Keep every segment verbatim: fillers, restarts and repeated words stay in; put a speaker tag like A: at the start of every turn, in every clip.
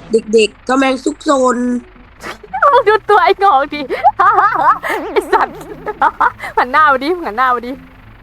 A: เด็กๆก็แมงซุกซน
B: มึงดูตัวไอ้งอกดิไอ้สัตว์หันหน้ามาดิหันหน้ามาดิ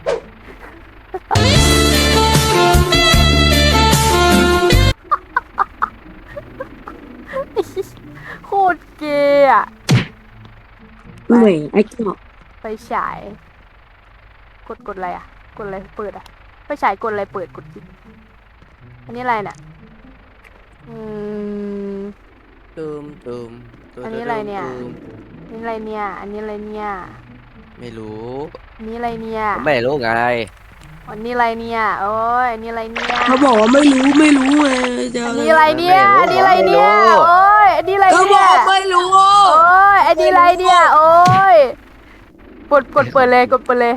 B: โคตรเกย์อะ
A: เหนื่อยไอ้เนาะ
B: ไฟฉายกดกดอะไรอะกดอะไรเปิดอะไฟฉายกดอะไรเปิดกดจิอันนี้อะไรเนี่ยอืม
C: ตูมตูมตูม
B: อันนี้อะไรเนี่ย
C: ตูม
B: อันนี้อะไรเนี่ย อันนี้อะไรเนี่ย
C: ไม่รู้
B: อันนี้อะไรเนี่ย
C: ก็ไม่รู้ไง
B: อันนี้อะไรเนี่ยโอ้ยอันนี้อะไรเนี่ย
A: เขาบอกว่าไม่รู้ไม่รู้ไงจะ
B: อันนี้อะไรเนี่ยอันนี้อะไรเนี่ยโอ้ยอันนี้อะไร
A: ก็บ
B: เนี่
A: อย กไม่รู้
B: โอ้ยอันนี้อะไรเนี่ยโอ้ยกดกดเปิดเลยกดเปิดเลย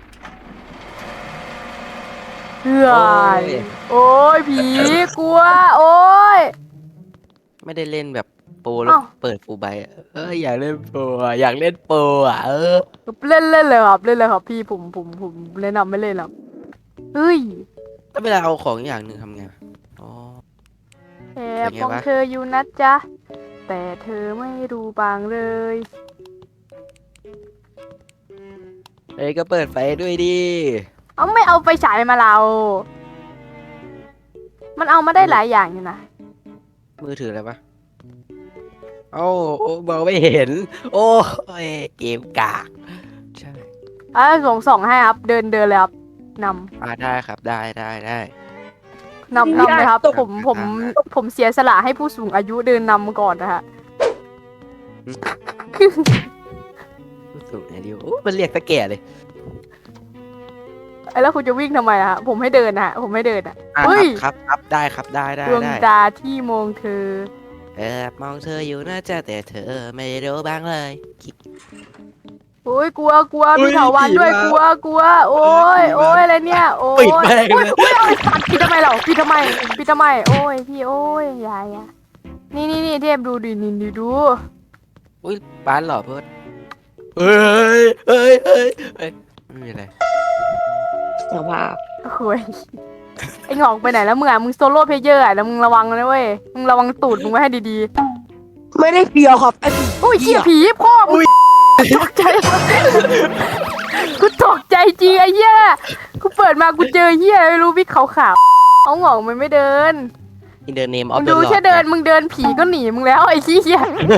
B: เฮ้ยโอ้ยผีกลัวโอ้ย
C: ไม่ได้เล่นแบบโปรแล้ว
B: อ้าว
C: เปิดฟูลใบอะเอออยากเล่นโปรอะอยากเล่นโปรอ่ะเออ
B: เล่นเล่นเลยครับเล่นเลยครับพี่ผมผมผมแนะนำไม่เล่นหรอกเฮ้ย
C: ถ้าเวลาเอาของอย่างหนึ่งทำไงอ๋อ
B: แอ
C: เป็
B: บ
C: นไง
B: มอง
C: วะ
B: เธออยู่นะจ๊ะแต่เธอไม่รู้บางเลย
C: เอ้ยก็เปิดไฟด้วยดิ
B: เอาไม่เอาไฟฉายมาเรา มันเอามาได้หลายอย่างอยู่นะ
C: มือถืออะไรปะโอ้โอ้มองไม่เห็น โอ้ยเกมกากใช่
B: อ่ะส่งส่องให้ครับ เดินเดินเลยครับน
C: อ่าได้ครับได้ได้ได้
B: ำนำนำเลยครับ ผมผม
C: อ่า
B: ผมเสียสละให้ผู้สูงอายุเดินนำก่อนนะฮะ
C: รู้สึกไงดิวโอ้มันเรียกตะแก่เลย
B: ไอ้แล้วคุณจะวิ่งทำไมอะฮะผมให้เดินนะฮะผมให้เดินอ่ะ
C: อ่ะ
B: เฮ้ย
C: ครับครับได้ครับได้ได้
B: ดวง
C: ได้
B: ตาที่มองเธอ
C: แอบมองเธออยู่น่าจะแต่เธอไม่รู้บ้างเลย
B: โอ้ยกลัวกลัว
C: เฮ้
B: มี
C: ย
B: เถาวันด้วย
C: ผี
B: กลัว
C: มา
B: กลัว โอ้ย
C: เฮ้
B: โอ้
C: ยผีมา
B: ยอะไรเนี่ยโอ้ย
C: ปิดแม่ง
B: โอ้ย
C: เลย
B: โอ้ยเอาไอ้สัตว์ปิดทำไมเราปิดทำไมปิดทำไมโอ้ยพี่โอ้ยอยาอยานี่นี่นี่เทพดูดินี่ดูดู
C: อุ้ยบ้านเหรอเพื่อนเฮ้ยเฮ้ยเฮ้ยเฮ้ยไม่มีอะไร
A: สภาพ
B: โอ้ยไอ้หงอกไปไหนแล้วมึงอ่ะมึงโซโล่เพลเยอร์อ่ะแล้วมึงระวังนะเว้ยมึงระวังตูดมึงไว้ให้ดี
A: ไม่ได้เฟียวครับไอ้
B: ๆโอ้ยเหี้ยผีพ่อมึงตกใจกูตกใจจริงไอ้เหี้ยกูเปิดมากูเจอเหี้ยไม่รู้วิกขาวๆเอาหงอกมันไม่เดิน
C: อินเดอร์เนมออ
B: มึ
C: ฟ
B: ง
C: เด
B: ดู
C: อะหลอด
B: แค่เดินมึงเดินผีก็หนีมึงแล้วไอ้เหี้ย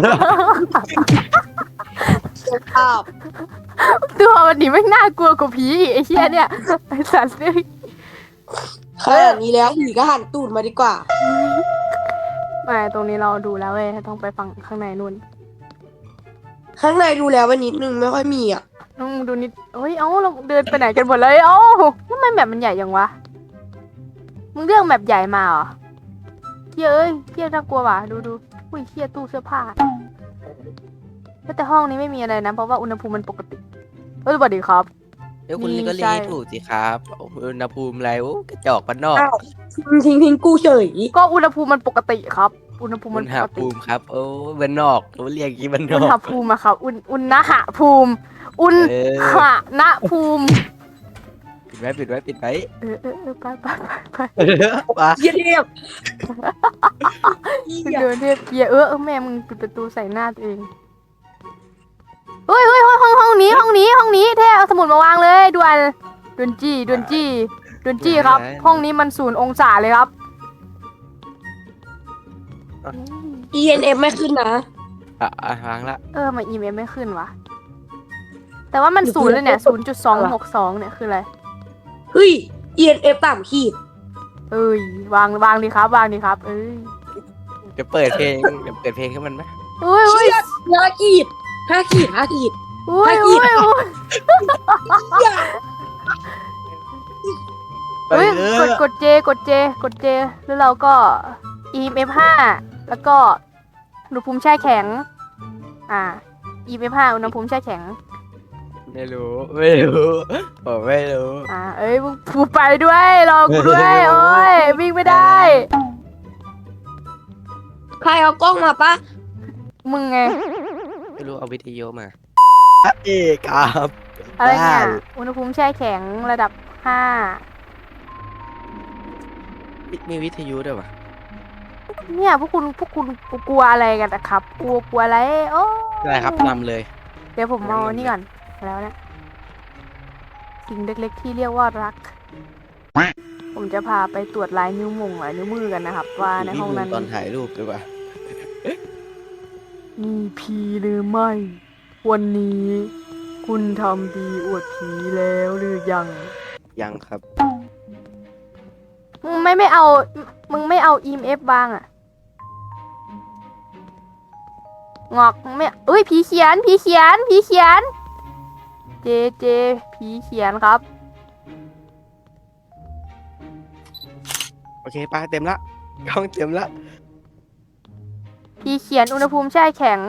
A: สภาพ
B: ตัวมันหนีไม่น่ากลัวกว่าผีอีกไอ้เหี้ยเนี่ยไอ้สัตว์เลย
A: ขนาดนี้แล้วผีก็หันตูดมาดีกว่า
B: ไม่ตรงนี้เราดูแล้วเว้ยต้องไปฟังข้างในนู่น
A: ข้างในดูแล้ววันนิดนึงไม่ค่อยมีอ่ะ
B: ต้องดูนิดเฮ้ย เอ้า เราเดินไปไหนกันหมดเลย เอ้าทำไมแบบมันใหญ่ยังวะ มึงเลือกแบบใหญ่มาเหรอเฮ้ยเอ้ยเฮียน่ากลัวว่ะ ดูดูอุ้ยเฮียตู้เสื้อผ้าแต่ห้องนี้ไม่มีอะไรนะ เพราะว่าอุณหภูมิมันปกติ เอ้ยสวัสดีครับ
C: เดี๋ยวคุณ
B: มี
C: ก็
B: ใช่
C: รีถูกสิครับอุณหภูมิอะไรโอ้กระจอกบ้านนอก
A: อ้าวทิ้งทิ้งทิ้งกูเฉย
B: ก็อุณหภูมิมันปกติครับ อุณหภูมิ
C: อุ
B: มัน
C: ณ
B: ป
C: ห
B: กติ
C: ภูมิครับ โอ้บ้านนอกเขาเรียกอย่างนี้บ้านน
B: อุณ
C: อ
B: ห
C: ก
B: ภูมิอะครับ อุณอุณหภูมิ อุณ
C: เออ
B: หณภูมิ
C: ปิดไว้ปิดไว้ปิดไว้
B: เออเออเออไปไปไปไป
C: มา
A: เยี่ยเทียบ
B: เดินเรียบเกียร์เออเออแม่มึงปิดประตูใส่หน้าตัวเองเฮ้ยเฮ้ยห้องห้องห้องนี้ห้องนี้ห้องนี้เท่เอาสมุดมาวางเลยด่วนด่วนจี้ด่วนจี้ด่วนจี้ครับ ห้องนี้มันศูนย์องศาเลยครับ
A: อีเอ็นเอฟไม่ขึ้นนะ
C: อ่ะอ่ะวางละ
B: เออมาอีเมลไม่ขึ้นวะแต่ว่ามันศูนย์เลยเนี่ยศูนย์จุดสองหกสองเนี่ยคืออะไร
A: เฮ้ยอีเอ็นเอฟต่ำขีด
B: เอ้ยวางวางดีครับวางดีครับ เอ้ย
C: เดี๋ยวเปิดเพลงเดี๋ยวเปิดเพลงให้มันไหม
B: เอ้ย
A: เชี่
B: เอ้ย
A: ยห้าขีดห้าขีดห้าขีด
B: เอ้ยเอ้ยเอ้ย
C: ไป
B: เฮ้ย
C: เอก อ
B: ดกดเจกดเจกดเจแล้วเราก็ อี เอ็ม เอฟ ห้าแล้วก็อุณหภูมิแช่แข็ง อ่า อี เอ็ม เอฟ ห้าอุณหภูมิแช่แข็ง
C: ไม่รู้ไม่รู้ผมไม่รู้
B: อ่า เอ้ยมึงผูไปด้วยรอกูด้วย
C: ไม่รู้
B: โอ้ยวิ่งไม่ได้
A: ใครเอากล้องมาปะ
B: มึงไง
C: ไม่รู้เอาวิทยุมาเอกครับ
B: อะไรเนี่ย
C: บ้า
B: อุณหภูมิแช่แข็งระดับห้า
C: มีวิทยุด้วยวะ
B: เนี่ยพวกคุณพวกคุณกลัวอะไรกันนะครับ กลัวกลัวอะไรโอ้
C: ได้ครับนำเลย
B: เดี๋ยวผมเอานี่ก่อนแล้วเนี่ยสิ่งเล็กๆที่เรียกว่ารัก ผมจะพาไปตรวจลายนิ้วมือลายนิ้วมือกันนะครับ ว่าในห้องนั้น
C: ตอนถ่ายรูปด้วยป่ะ
B: มีผีหรือไม่ วันนี้ คุณทำดีอวดผีแล้วหรือยัง
C: ยังครับ
B: มึงไม่ไม่เอา มึงไม่เอา อี เอ็ม เอฟ บ้างอะงอกมึงไม่เอ้ยผีเขียนผีเขียนผีเขียน เจเจผีเขียนครับ
C: โอเคป้าเต็มละกล้องเต็มละ
B: ผีเขียนอุณหภูมิแช่แข็ง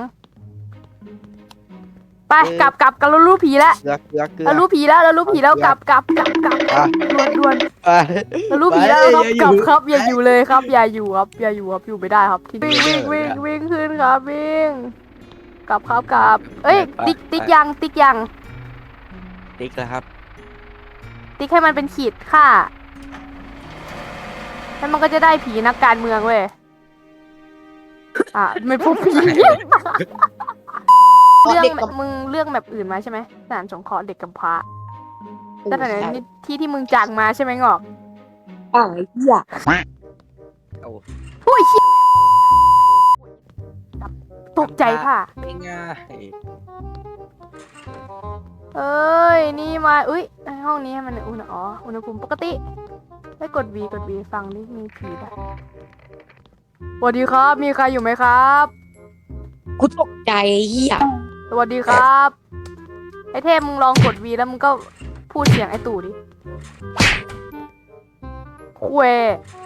B: ไปกลับกลับกันเรารู้ผีแล้ว
C: เกลือเกลือเกลือ
B: เรารู้ผีแล้วเรารู้ผีแล้วกลับกลับกลับกลับ
C: อ่ะ
B: ด่วนด่วน
C: ไป
B: เรารู้ผีแล้วครับ
C: ไป
B: กลับครับ
C: ไป
B: อย่าอยู่เลยครับ อย่าอยู่ครับ อย่าอยู่ครับอยู่ไม่ได้ครับที่วิ่งวิ่งวิ่งวิ่งขึ้นครับวิ่งกลับครับกลับ เอ้ยติ๊กติ๊กยังติ๊กยัง
C: ติ๊กแล้วครับ
B: ติ๊กให้มันเป็นขีดค่าแล้วมันก็จะได้ผีนักการเมืองเว้ยอ่ะไม่พบผี เรื่อง
A: เด็กกับ
B: มึงเรื่องแบบอื่นมาใช่ไหมสถานสงเคราะห์เด็กกำพร้า
A: โอ้
B: แต่ไหน
A: ใช่
B: นี่ที่ที่มึงจากมาใช่ไหมงอก
A: อ่างไอ้เหี้ย
C: โอ้
B: อุ้ยเชี่ยตกใจค่ะ
C: ไม่ง่าย
B: เอ้ยนี่มาอุ้ยในห้องนี้ให้มันอุณหอ๋ออุณหภูมิปกติได้กด V กด V ฟังดิมีผีปะสวัสดีครับมีใครอยู่ไหมครับ
A: กูตกใจไอ้เหี้ย
B: สวัสดีครับไอเทพมึงลองกด V แล้วมึงก็พูดเสียงไอตู่ดิคุย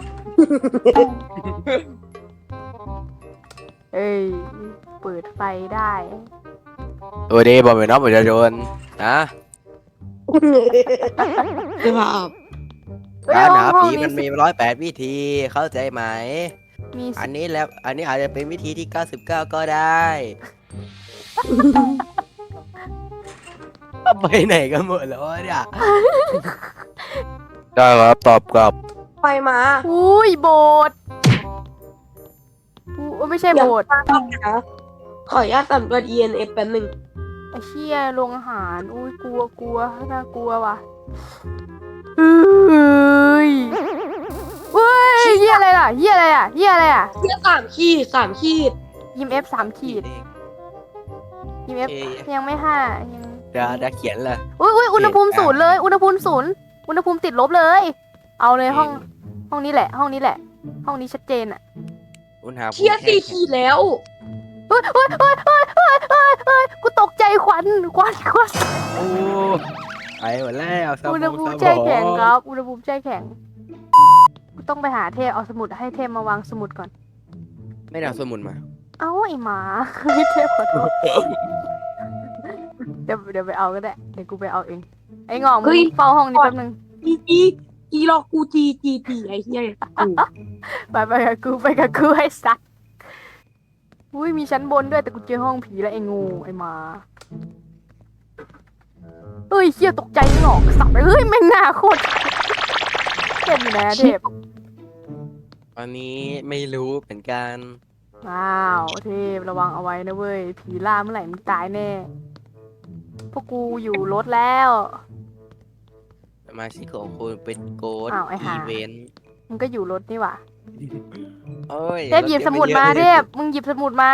B: เอ้ยเปิดไฟได้
C: โอ้ดีบอกไปน้องประชาชนนะ
A: เดี๋ยวมาอาบ
B: เอ้ย
C: การ
B: ห้อง
C: หา
B: ห้อง
C: ผี
B: นี้
C: มันมีร้อยแปดวิธีเข้าใจไหม
B: มี
C: อันนี้แล้ว อันนี้อาจจะเป็นวิธีที่เก้าสิบเก้าก็ได้ ไปไหนกันหมดแล้ววะเนี่ย ได้ครับตอบกลับ
A: ไปมา
B: อุ้ยโบสถ์อู้ไม่ใช่โบสถ์
A: นะขออนุญาตสำรวจ อี เอ็น เอฟ แป๊บหนึ่ง
B: ไอเชี่ยโรงอาหาร อุ้ยกลัวกลัวน่ากลัวว่ะเฮ้ยเฮ้ยเฮียอะไรล่ะเฮียอะไรอ่ะเฮียอะไรอ่ะ
A: เหี้ยสามขีดสามขีด
B: ยิมเอฟสามขีดยิมเอฟ
C: เอ๊ะ
B: ยังไม่ห้ายัง
C: เดี๋ยวเดี๋ยวเขียนเลย
B: อุ้ยอุ้ยอุณหภูมิ
C: เอ๊ะ
B: ศูนย์เลย อุณหภูมิศูนย์อุณหภูมิติดลบเลย เอาเลยห้อง ห้องนี้แหละ ห้องนี้แหละ ห้องนี้ชัดเจนอ่ะ
C: อุณหภูมิ
A: เชี่ยสี่ขีดแล้ว
B: เฮ้ยเฮ้ยเฮ้ยเฮ้ยเฮ้ยเฮ้ยเฮ้ยกูตกใจควันควันควัน
C: โอ้ไปหมดแล้วสมอง
B: อุณหภูมิ
C: สมอง
B: แช่แข็งครับ อุณหภูมิแช่แข็งกูต้องไปหาเทพเอาสมุดให้เทพมาวางสมุดก่อน
C: ไม่ได้เอาสมุนมา
B: เอ้าไอหมา ไม่เทพขอโทษเดี๋ยวเดี๋ยวไปเอาก็ได้ เดี๋ยวกูไปเอาเอง ไอ้งอกมึงเฝ้าห้องนี้แป๊บนึง
A: จีจีจีรอกูจีจีจีไอ้เหี้ยกู
B: ไปไปกับกูไปกับกูไอ้สัสอุ้ยมีชั้นบนด้วยแต่กูเจอห้องผีแล้วไอ้งูไอ้หมาเอ้ยเชี่ยตกใจงอกสับเอ้ยแม่งหน้าโคตรเทพอยู่ไหนอะเทพ
C: ตอนนี้ไม่รู้เหมือนกัน
B: ว้าวเทพระวังเอาไว้นะเว้ยผีล่าเมื่อไหร่มึงตายแน่พวกกูอยู่รถแล้ว
C: สมาชิกของคุณเป็นโกด
B: อ้าวไอ้ห่า
C: อีเวนต์
B: มึงก็อยู่รถนี่หว่า
C: โอ้ย
B: เทพหยิบสมุดมาเทพมึงหยิบสมุดมา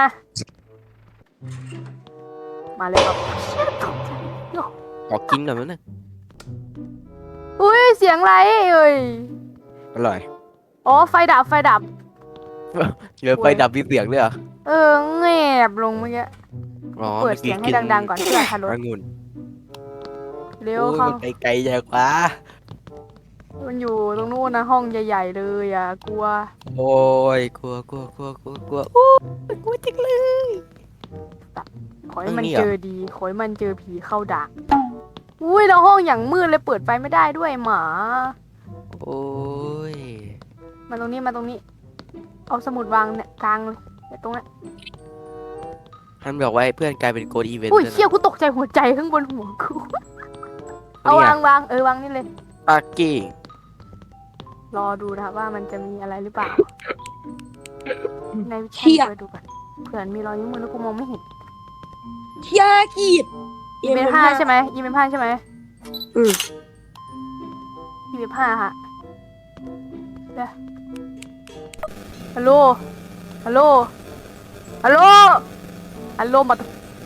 B: มาเลยครับ
C: ขอกินหน่อยมั้ยนะ
B: อุ้ยเสียงอะไรเอ้ย
C: อร่อย
B: อ๋อไฟดับไฟดับ
C: เดี๋ยวไปดับมีเสียงด้วยเหรอ
B: เออแงบลงเมื่อกี้
C: อ๋อ
B: เปิดเสียงให้ดังๆก่อนเพื่อทารถ
C: องุ่น
B: เร็ว
C: โอ้ย
B: เข้า
C: มันไกลๆใหญ่กว่า
B: มันอยู่ตรงนู้นนะห้องใหญ่ๆเลยอ่ะกลัว
C: โอ้ยกลัวกลัวกลัวกลัวกลัวโอ้ยกลัวจังเลย
B: ขอให้มัน
C: เออนี่เหรอ
B: เจอดีขอให้มันเจอผีเข้าดักอุ้ยแล้วห้องอย่างมืดเลยเปิดไฟไม่ได้ด้วยหมา
C: โอ้ย
B: มาตรงนี้มาตรงนี้ เอาสมุดวางเนี่ยกลางเลยเนี่ยตรงนั้น
C: ท่านบอกว่าให้เพื่อนกลายเป็นโกดอีเวนต์
B: อุ้ย
C: ด้วย
B: เชี่ย
C: นะ
B: กูตกใจหัวใจข้างบนหัวกู เอา
C: นี่ไง
B: วางวางเออวางนี่เลย
C: ปากกี้
B: รอดูนะครับว่ามันจะมีอะไรหรือเปล่าในวิ
A: เชี่
B: ชั่น
A: ย
B: ไปดูก่อนเผื่อมีรอยนิ้วมือแล้วกูมองไม่เห็น
A: เที่ยขีด
B: อีเมลห้าใช่ไหมอีเมลห้าใช่ไหม
A: อืม
B: อีเมลห้าค่ะเดี๋ยวฮัลโหลฮัลโหลฮัลโหลฮัลโหลมา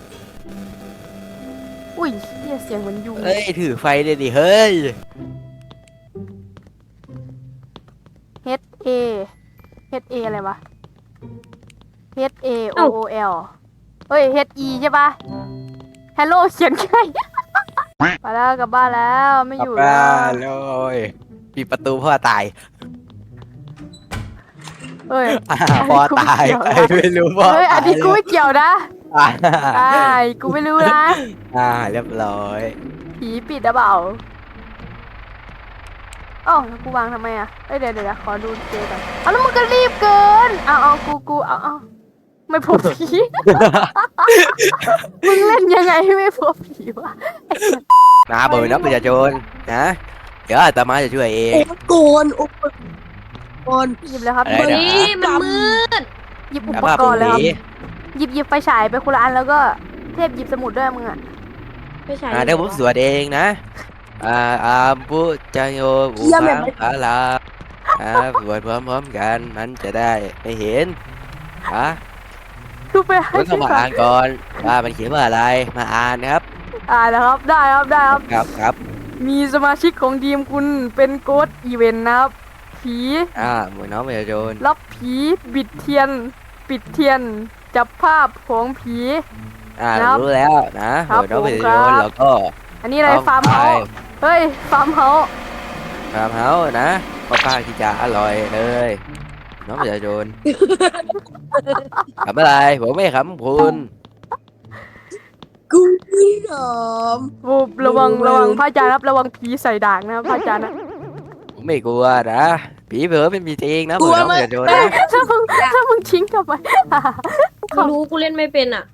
B: อุ้ยเหี้ยเสียงเหมือนยุง
C: เฮ้ยถือไฟเลยดิเฮ้ย
B: H A H A อะไรวะ H A O O L เฮ้ย H E ใช่ปะ Hello เขียนไง ไปแล้วกลับบ้านแล้วไม่
C: ก
B: อ
C: ลับ
B: ยู่
C: บ้า
B: แล้ว
C: นเลยปิดประตูพ่อตาย
B: เฮ้ย
C: อ่าพ่อตายใครไม่รู้พ่อ
B: เฮ้ยอั
C: ตาน ย
B: นี้กูไม่เกี่ยวนะ
C: อ่า
B: ใช่กูไม่รู้นะ
C: อ่าเรียบร้อย
B: ผีปิดหรือเปล่าเอ้าแล้วกูวางทำไมอ่ะเอ้ยเดี๋ยวเดี๋ยวขอดูเจก่อนเอาแล้วมึงก็รีบเกินเอาเอากูกูเอาเอาไม่พบผี มึงเล่นยังไงให้ไม่พบผีวะ
C: นะเบอร์นับประชาชนนะเดี๋ยวอาตมาจะช่วยเอง
A: โอ้โกนโอ้โกน
B: หยิบเลยครับ
C: อะไร
A: เฮ้
C: นะ
A: ยมันมืด
B: หยิบอุ
C: แล้ว
B: ป
C: ว่าก
B: รณ์เลยครับ
C: ผี
B: หยิบหยิบไฟฉายไปคนละอันแล้วก็เทพหยิบสมุดด้วยมึงอ่ะ
A: ไม่ใช่
C: อ่าเดี๋ยวผมสวดเองนะอ่าอาบุจโยบุพังอาลาอ่าสวดพร้อมๆกันมันจะได้ไม่เห็นอ่ะ
B: ดูไปให้
C: ผมต้องมาอ่านก่อนว่ามันเขียนว่าอะไรมาอ่านครับ
B: อ่านะครับได้ครับได้ครับ
C: ครับครับ
B: มีสมาชิกของทีมคุณเป็นโกดอีเวนต์นะครับผี
C: อ่าหมวยน้องประชาชน
B: รับผีบิดเทียน ปิดเทียน จับภาพของผี
C: อ่า
B: ครับ
C: รู้แล้วนะห
B: ครับ
C: มวยน้องประชาช
B: ผมครั
C: น
B: บ
C: แล้วก็
B: อันนี้อะไร
C: ต้อง
B: ฟาร์มเฮา
C: ไป
B: ส์เฮ้ยฟาร์มเฮาส์
C: ฟาร์มเฮาส์นะก็ป้าที่จะอร่อยเลยน้องประชาชนทำอะไรผมไม่ขำคุณ
A: กูไม่ยอม
B: โอ้ระวัง
A: ไม่รู้
B: ระวังพระอาจารย์ครับระวังผีใส่ด่างนะครับพระอาจารย์นะ
C: ผมไม่กลัวนะผีเผลอเป็นผีจริงนะหมวยน้องประชาชนนะ
B: ถ้ามึงถ้ามึงทิ้งทำไม
D: กูรู้กูเล่นไม่เป็นอ่ะ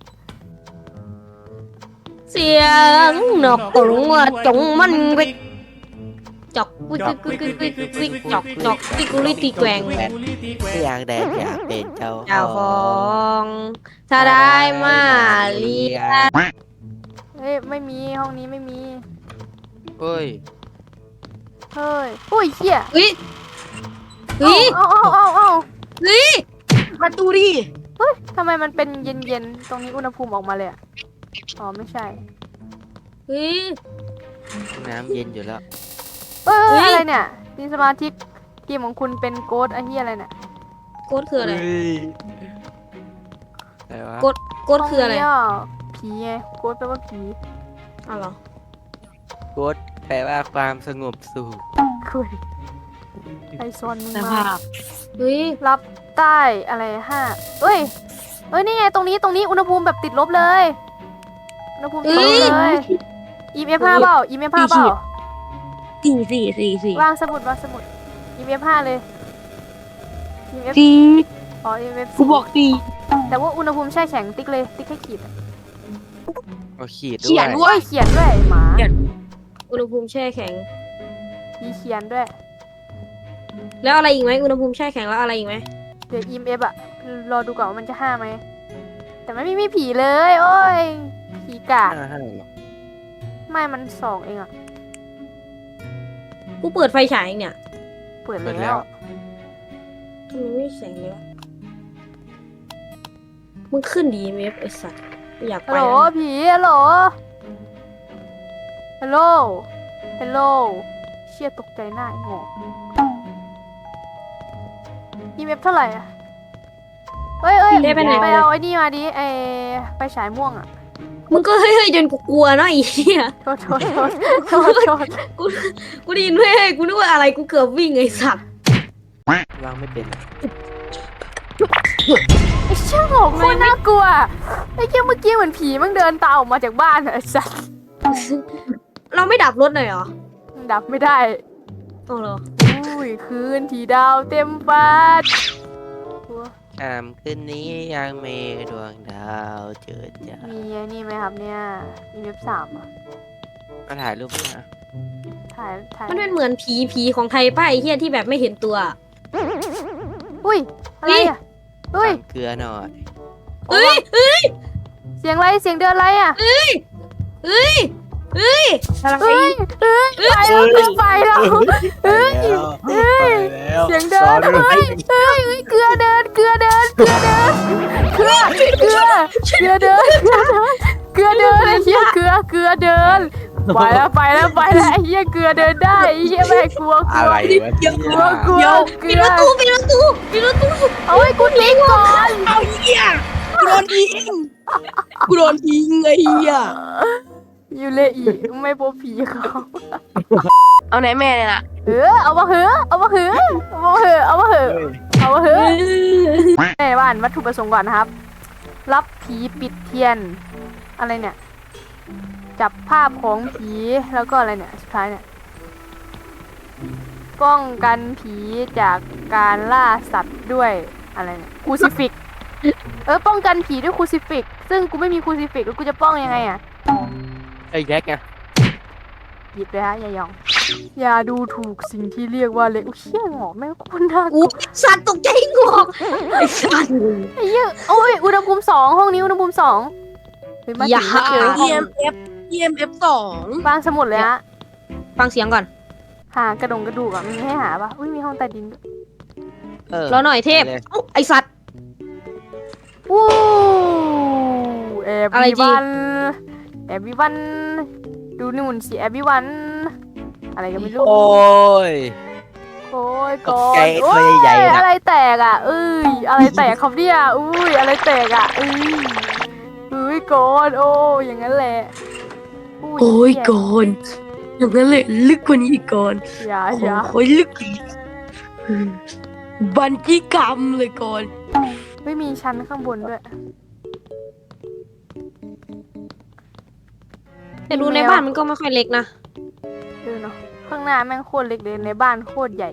D: เสียงนกกรงว่าจงมันวิกจอกวิกวิกวิกวิกวิกวิกจอกจอกวิกุลิตีแกวง
C: ไม่อยากแดงอยากเป็นเจ้า
D: เจ้าของถ้าได้มาเลีย
B: เฮ้ยไม่มีห้องนี้ไม่มี
C: เฮ้ย
B: เฮ้ยอุ้ยเหี้ย
D: เฮ้ยเฮ้ย
B: เอาเอาเอาเอา
D: เฮ้ย
A: ประตูดิ
B: เฮ้ยทำไมมันเป็นเย็นๆตรงนี้อุณหภูมิออกมาเลยอะอ๋อไม่ใช่
D: เฮ้ย
C: น้ำเย็นอยู่แล้ว
B: เอ้ย
D: เฮ้ย
B: อะไรเนี่ยทีมสมาชิกทีมของคุณเป็นโกดไอ้เหี้ยอะไรเนี่ย
D: โกดคืออะไร
C: เฮ้ยอะไรวะ
D: กดโกดคืออะไร
B: ห้งนี้อ่ผีไงโกดแปลว่าผี
D: อ้าวเหรอ
C: กดแปลว่าความสงบสุข
B: คุยไอซอนมึง
A: ส
B: มา
A: ภาพ
D: เฮ้ย
B: รับใต้อะไรห้าเอ้ยเอ้ยนี่ไงตรงนี้ตรงนี้อุณหภูมิแบบติดลบเลยอุณหภูมิติดลบเลย อี เอฟ ห้าเปล่า อี เอฟ ห้าเปล่า
A: สี่สี่สี่สี่
B: วางสมุดวางสมุด อี เอฟ ห้าเลย อี เอฟ
A: สี่
B: อ๋อ อี เอฟ
A: กูบอกสี่
B: แต่ว่าอุณหภูมิแช่แข็งติ๊กเลยติ๊กให้ขีดอะ
C: เอาขีดด้
A: เขี
C: วย
A: น
B: โอ้ยเขียนด้วยหมา
D: อุณหภูมิแช่แข็ง
B: มีเขียนด้วย
D: แล้วอะไรอีกไหมอุณหภูมิแช่แข็งแล้วอะไรอีกไหม
B: เดี๋ยว อี เอฟ อะรอดูก่อนว่ามันจะห้าไหม แต่ไม่มีมีผีเลย โอ้ย ผีกาด
C: ห้าห้าหรอ
B: ไม่มันสองเองอะ
D: กูเปิดไฟฉายเองเนี่ย
B: เปิด
C: เปิด
B: แล้
C: แล้ว ว
D: ทำไมไม่มีแสงเลยวะมึงขึ้นดีเมฟไอสัตว์ไม่อยาก
B: ฮั
D: ไป
B: ลโหล
D: แล้ว
B: ผีฮัลโหลฮัลโหลฮัลโหลเชี่ยตกใจหน้าไอ้หงอก อี เอฟ เท่าไหร่อะเอ้ยเอ้ย
D: ได้ไปไหน
B: ไปเอาไอ้นี่มาดิไอไปฉายม่วงอะ
D: มึงก็เฮ้ยๆจนกูกลัวเนาะไอ้เหี้ย
B: โทษโทษโทษโทษโทษ
D: กูกูได้ยินเฮ้ยกูนึกว่าอะไรกูเกือบวิ่งไอ้สัตว์
C: วางไม่เป็น
B: ไอ้เชี่ยหงอกโคตรน่ากลัวไอ้เชี่ยเมื่อกี้เหมือนผีมันเดินตามออกมาจากบ้านอะไอ้สัส
D: เราไม่ดับรถหน่อยเหรอ
B: ดับไม่ได้
D: อ๋อเหรอ
B: อุ้ยคืนที่ดาวเต็มฟ้า
C: คำคืนนี้ยังมีดวงดาวเจิดจ้า
B: มีไอ้นี่ไหมครับเนี่ยมีเว็บสามอ่ะ
C: มาถ่ายรูปนะ
B: ถ่ายถ่าย
D: มันเป็นเหมือนผีผีของไทยป้าไอ้เหี้ยที่แบบไม่เห็นตัว
B: อุ้ยอะไรอ่ะเฮ้ย
C: สั่งเกลือหน่อย
D: เอ้ยเอ้ย
B: เสียงอะไรเสียงเดินอะไรอ่ะ
D: เอ้ยเอ้ยเอ้ย
B: เฮ้ยเฮ้ยไปแล้วคือไปแล้วเฮ้ยเฮ้ยเสียงเดินเฮ้ยเฮ้ยเฮ้ยเกลือเดินเกลือเดินเกลือเดินเกลือเกลือเกลือเดินเกลือเดินเกลือเดินไอ้เหี้ยเกลือเกลือเดินไปแล้วไปแล้วไปแล้วไอ้เหี้ยเกลือเดินได้ไอ้เหี้ยแม่กลัวกลั
C: อะ
B: ว
C: ไรวะเนี่ย
B: กลัวกลัวเก
D: ปิ
B: ลื
D: ด
B: อ
D: ประตูปิดประตูปิดประตู
B: เอาไว้กูทิ้งก่อน
A: เอาเหี้ยกูโดนทิ้งกูโดนทิ้งไอ้เหี้ย
B: อยู่เลยอีกไม่พบผีเขา
A: เอาไหนแม่เนี่ยล่ะ
B: เออเอามาเหอะเอามาเหอะเอามาเหอะเอามาเหอะเอามาเหอะแม่บ้านวัตถุประสงค์ก่อนนะครับ รับผีปิดเทียน อะไรเนี่ย จับภาพของผีแล้วก็อะไรเนี่ยสุดท้ายเนี่ยป้องกันผีจากการล่าสัตว์ด้วยอะไรเนี่ยคูซิฟิกเออป้องกันผีด้วยคูซิฟิกซึ่งกูไม่มีคูซิฟิกแล้วกูจะป้องยังไงอ่ะ
C: ไอ้แย็กไง
B: หยิบเลยฮะอย่ายอง อย่าดูถูกสิ่งที่เรียกว่าเล็กอุ้ยเชี่ยหงอกแม่งโคนน่ากลั
D: อู้
B: ว
D: สัตว์ตกใจงอกไอ้สัตว์
B: ไอ้เหี้ยโอ้ยอุณหภูมิสองห้องนี้อุณหภูมิสองเฮ้ยมา
D: อย่า
B: ถึงเจอห้
A: เอ็
B: อง
A: มเอฟเอ็มเอฟสอง
B: วางสมุดเลยฮะ
D: ฟังเสียงก่อน
B: หากระดงกระดูกอ่ะมันให้หาปะอุ้ยมีห้องใต้ดินด้วย
C: เออ
D: รอหน่อยเทพ
C: ไปเลย
D: เอ้าไอสัตว์
B: วู้แอบ
D: อะไร
B: วี
D: จริง
B: วันแอบวีวันดูนู่นสิแอบวีวันอะไรก็ไม่รู้
C: โอ้ย
B: โอ้ยก่อ
C: ตกใจ
B: นโอ้
C: ตั
B: ยว
C: ใหญ่ๆน่ะ
B: อะไรแตกอ่ะเอ้ยอะไรแตกครับเนี่ยอุ้ยอะไรแตกอ่ะเอ้ยเอ้ยก่อนโอ้ยอย่างนั้นแหละ
A: โอ้ยก่อนอย่างนั้นเลยลึกกว่านี้อีกก่อน
B: อย่า
A: โอ้
B: อย่า
A: โหลึกอีกบันจี้กรรมเลยก่อน
B: ไม่มีชั้นข้างบนด้วย
D: แต่ดูในบ้านมันก็ไม่ค่อยเล็กนะ
B: เออเนาะข้างหน้าแม่งโคตรเล็กเลยในบ้านโคตรใหญ่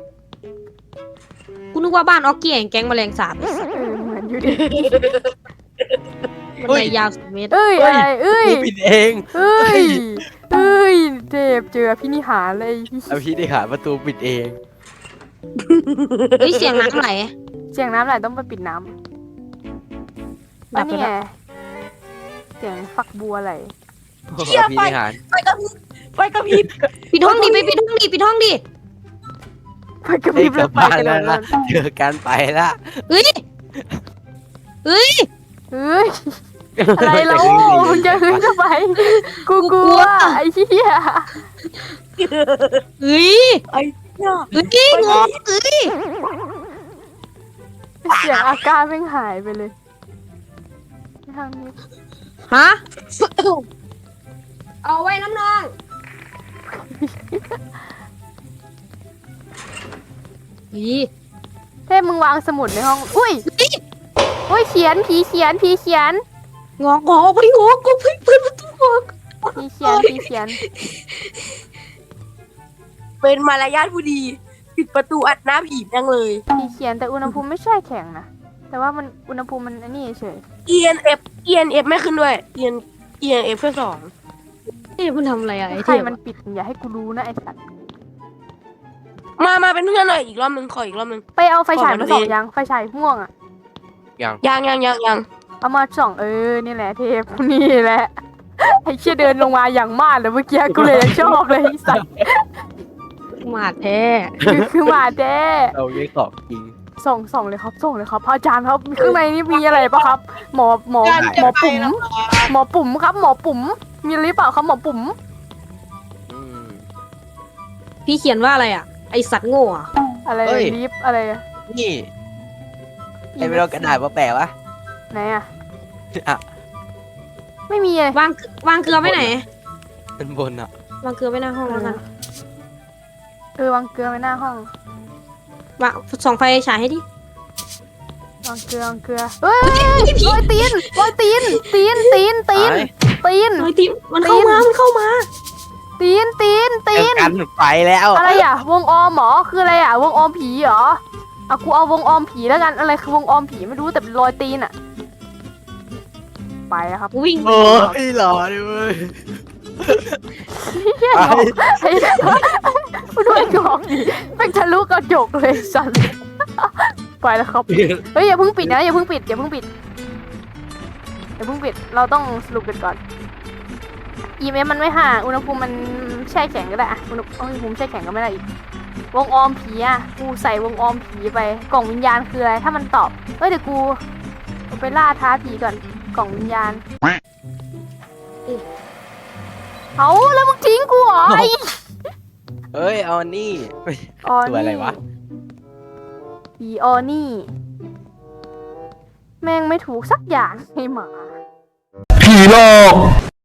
D: กูนึกว่าบ้านออกเกี้ยงแก๊งแมลงสาบ
B: เออเหมือนอยู่ดิ
D: มันในยาวสิบเมตร
B: เอ้ยอะไรเอ้ย
C: กูปิดเอง
B: เอ้ยเอ้ยเทพเจอพินิหารเลย
C: เอาพี่ได้หาประตูปิดเอง
D: เฮ้ยเสียงน้ำไหล
B: เสียงน้ำไหลต้องไปปิดน้ำ
D: ดั
B: อั
D: บ
B: น
D: ไป
B: นี้
D: แล้ว
B: ไงเสียงฝักบัวไหล
C: เอาพี่ได้หาร
A: ไปกับพริบไปกับพริบ
D: ปิดห้องดิไปปิดห้องดิปิดห้องดิ
B: ไปกระพ
C: ไอ้
B: ริบ
C: กลั
B: แล้
C: บ
B: วไป
C: บ้าน
B: กระโด
C: แล้ว
B: ด
C: นะเจอกันไปละ
D: เฮ้ยเฮ้ย
B: เฮ้ยอะไรเรามึงจะขึ้นทำไมกูกลัวไอ้เหี้ย
D: เฮ้ย
A: ไอ้เนี่ย
D: เฮ้ยงอกเฮ้ย
B: เสียงอาการแม่งหายไปเลยทางนี้
D: ฮะเอาไว้น้ำนองเฮ้ย
B: เทพมึงวางสมุดในห้องอุ้ยอุ้ยเขียนผีเขียนผีเขียน
D: งอกงอกไปงอกกูเพิ่งเปิดประตูงอก
B: ผีเขียนผีเขียน
A: เป็นมารยาทผู้ดี ปิดประตูอัดหน้าผีจังเลย
B: ผีเขียนแต่อุณหภูมิไม่ใช่แข็งนะแต่ว่ามันอุณหภูมิมันอันนี้เฉย
A: เอ็นเอฟเอ็นเอฟไม่ขึ้นด้วยเอ็นเอ็นเอฟแค่สอง
D: เฮ้ยมันทำอะไรอะไอ้
B: ใคร
D: เทพ
B: มันปิดอย่าให้กูรู้นะไอ้สัตว์
A: มามาเป็นเพื่อนหน่อยอีกรอบหนึ่งขออีกรอบหนึ่ง
B: ไปเอาไฟฉาย
A: ขอมั
B: มาน ส่อง
A: เอง
B: ยังไฟฉายม่วงอ่ะ
C: ยัง
A: ยังยังยังยัง
B: เอามาส่องเออนี่แหละเทพนี่แหละไอ้เชี่ยเดินลงมาอย่างมากเลยเมื่อกี้กูเลยยังชอบเลยไอ้สัตว์
D: มาแท้
B: คือคือหมาแจ้
C: เราเรียกของจริง
B: ส่องส่องเลยครับส่องเลยครับพระอาจารย์ครับข้างในนี่มีอะไรปะครับ หมอหมอหมอปุ๋มหมอปุ๋มครับ หมอปุ๋มมีอะไรเปล่าครับหมอปุ๋ม
C: อืม
D: พี่เขียนว่าอะไรอะไอสัตว์โง่อะ
B: อะไร
C: เฮ้ย
B: ลิฟต์อะไรอะ
C: นี่ไอ้ไม่ต้องกระดาษมาแปะวะ
B: ไหนอะ
C: อ่ะ
B: ไม่มีเลยว
D: างวางเกลือไว้ไหน
C: มันบนอ่ะ
D: วางเกลือไว้หน้าห้องแล้วกัน
B: เออวางเกลือไว้หน้าห้อง
D: วางส่องไฟฉายให้ดิ
B: วางเกลือวางเกลือเฮ้ยโรยตีนโรยตีนตีนตีนตีน
C: ไป
B: ตีน
D: เฮ้ยทีมันเข้ามา มันเข้ามา
B: ตีนตีนตี
C: เจอน กันไปแล้ว
B: อะไรอ่ะ วงออมเหรอคืออะไรอ่ะ วงออมผีเหรออ่ะกูเอาวงออมผีแล้วกันอะไรคือวงออมผีไม่รู้แต่เป็นรอยตีนอ่ะ ไปแล้วครับ
D: วิ่ง
C: โอ้ยหล่อดิเว้ย
B: เฮียหงอกไอ้ด้วยหงอกดิเป็นทะลุกระจกเลยสันปล่อยแล้วครับเฮ้ยอย่าเพิ่งปิดนะอย่าเพิ่งปิดอย่าเพิ่งปิดอย่าเพิ่งปิดเราต้องสรุปกันก่อน อี เอ็ม เอฟ มันไม่ห่างอุณหภูมิมันแช่แข็งก็ได้อะอุณหอุณหภูมิแช่แข็งก็ไม่ได้อีกวงออมผีอะกูใส่วงออมผีไปกล่องวิญญาณคืออะไรถ้ามันตอบเอ้ยเดี๋ยวกูไปล่าท้าผีก่อนกล่องวิญญาณเอาแล้วมึงทิ้งกูเหรอไอ้
C: เอ้ยเอานี่
B: ออ
C: ตัวอะไรวะ
B: ผีออนี่ แม่งไม่ถูกสักอย่างให้หมา
E: ผีหลอก